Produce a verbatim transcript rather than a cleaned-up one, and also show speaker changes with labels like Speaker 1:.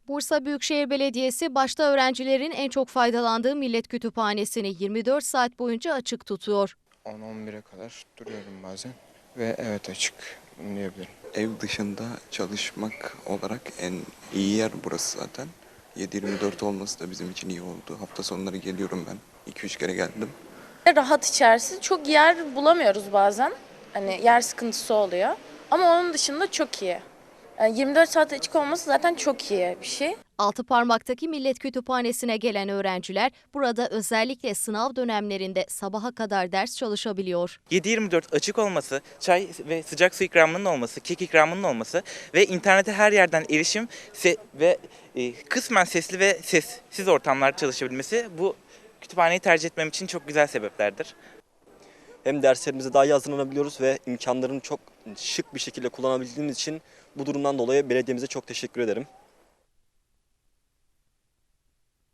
Speaker 1: Bursa Büyükşehir Belediyesi başta öğrencilerin en çok faydalandığı Millet Kütüphanesi'ni yirmi dört saat boyunca açık tutuyor.
Speaker 2: on on bire kadar duruyorum bazen ve evet açık, bunu diyebilirim.
Speaker 3: Ev dışında çalışmak olarak en iyi yer burası zaten. yedi yirmi dört olması da bizim için iyi oldu. Hafta sonları geliyorum ben. iki üç kere geldim.
Speaker 4: Rahat içerisi. Çok yer bulamıyoruz bazen. Hani yer sıkıntısı oluyor. Ama onun dışında çok iyi. Yani yirmi dört saat açık olması zaten çok iyi bir şey.
Speaker 1: Altıparmak'taki Millet Kütüphanesi'ne gelen öğrenciler burada özellikle sınav dönemlerinde sabaha kadar ders çalışabiliyor.
Speaker 5: yedi yirmi dört açık olması, çay ve sıcak su ikramının olması, kek ikramının olması ve internete her yerden erişim ve e, kısmen sesli ve sessiz ortamlarda çalışabilmesi bu kütüphaneyi tercih etmem için çok güzel sebeplerdir.
Speaker 6: Hem derslerimize daha iyi hazırlanabiliyoruz ve imkanlarını çok şık bir şekilde kullanabildiğimiz için bu durumdan dolayı belediyemize çok teşekkür ederim.